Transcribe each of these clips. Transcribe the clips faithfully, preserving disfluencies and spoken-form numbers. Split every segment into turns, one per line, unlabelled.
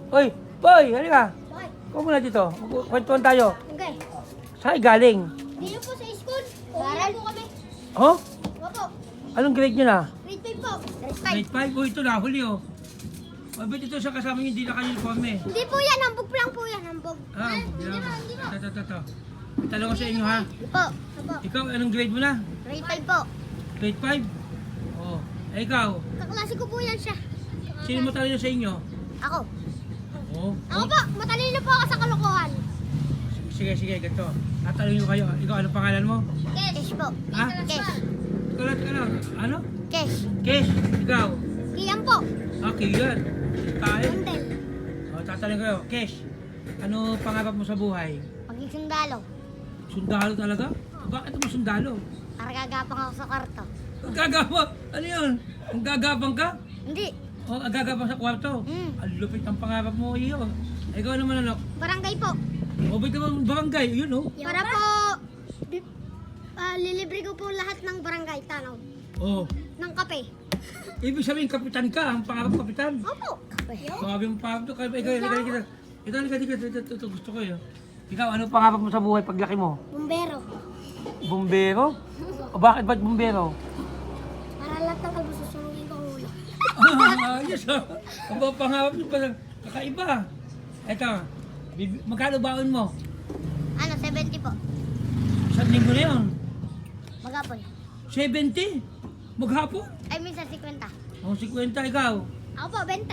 Oy, boy, halika.
Bakit?
Kuha muna dito. Kwentuhan tayo.
Okay.
Saan galing?
Dito po sa school. Baral po kami.
Oh?
Opo.
Anong grade nyo na?
Grade five po. Grade five.
Grade five? Oh, ito na, huli oh. Mabit ito sa kasama nyo, hindi na kayo uniform eh.
Hindi po yan. Hambog lang po yan. Hambog.
Ah,
Hindi
yeah.
po. Hindi po.
Ito, ito, ito. Tanong ko sa inyo ha.
Opo. Opo.
Ikaw, anong grade mo na?
Grade five po.
Grade five? Oh. Eh, ikaw,
Kaklase ko po yan siya.
sino mo talino sa inyo?
Ako.
Oh.
Ako po. Matalino po ako sa kalokohan.
Sige, sige, ganito. Tatanungin ko kayo. Ikaw, anong pangalan mo?
Kesh po.
Ha?
Kesh.
Ikaw, ano? Ano?
Kesh.
Kesh, ikaw.
Kiyan po.
Okay, yan. Tayo.
Kundel.
Oh, tatanungin ko kayo. Kesh, ano pangarap mo sa buhay?
Maging sundalo.
Sundalo talaga? Bakit mo sundalo?
Para gagapang ako sa karto.
Ang gagapang? Ano yun? Ang gagapang ka?
Hindi.
O, ang gagapang sa kwarto?
Hmm.
Ang lupit ng pangarap mo, iyo. Ikaw naman ano?
Barangay po.
O, ba't naman barangay? Yun, oh.
Para po, bi- ah, lilibre ko po lahat ng barangay tanaw.
Oh.
Ng kape.
Ibig sabihin, kapitan ka. Ang pangarap kapitan.
Opo. Kape.
Sabi mo pangarap to. Ikaw, ikaw, ikaw, ikaw. Ito, ito, ito, ito, ito, ito, gusto ko yun. Ikaw, ano pangarap mo sa buhay paglaki mo?
Bumbero.
Bumbero? O bakit ba't bumbero?
Para lahat ng kalbo susunugin ko ang ulo.
Ah, ayos ah. Ang mga pangarap mo pala, kakaiba. Ito, bib- magkano baon mo?
Ano, seventy po.
Isang linggo na yun.
Magapon.
seventy? Maghapon?
Ay, minsan fifty.
O, fifty ikaw.
Ako po, twenty.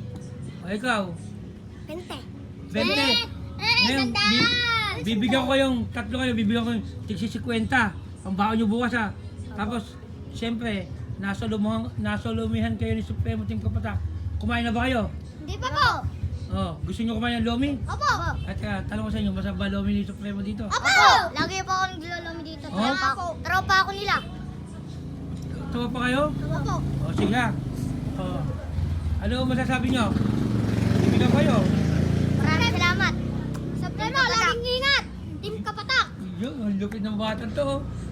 O, ikaw.
twenty.
twenty.
Eh, eh,
Ngayon,
sandal!
bi- bibigyan ko kayong, tatlo kayo, bibigyan ko yung tigsi fifty. Ang baon nyo bukas ha. Tapos, siyempre, nasa, lumuhang, nasa lumihan kayo ni Supremo Team Kapatak. Kumain na ba kayo?
Hindi pa po.
Oh, gusto nyo kumain ng lomi?
Opo.
At uh, tanong ko sa inyo, masarap ba lomi ni Supremo dito?
Opo. Lagi po ako naglolomi dito.
Oh?
Tropa ako. Tropa ako nila.
Tawa pa kayo?
Opo.
O, sige ha. O, ano masasabi nyo? Bibigyan ko kayo.
Maraming salamat. Supremo, laging ingat. Team Kapatak.
Yun, ang lupit ng batang to. oh.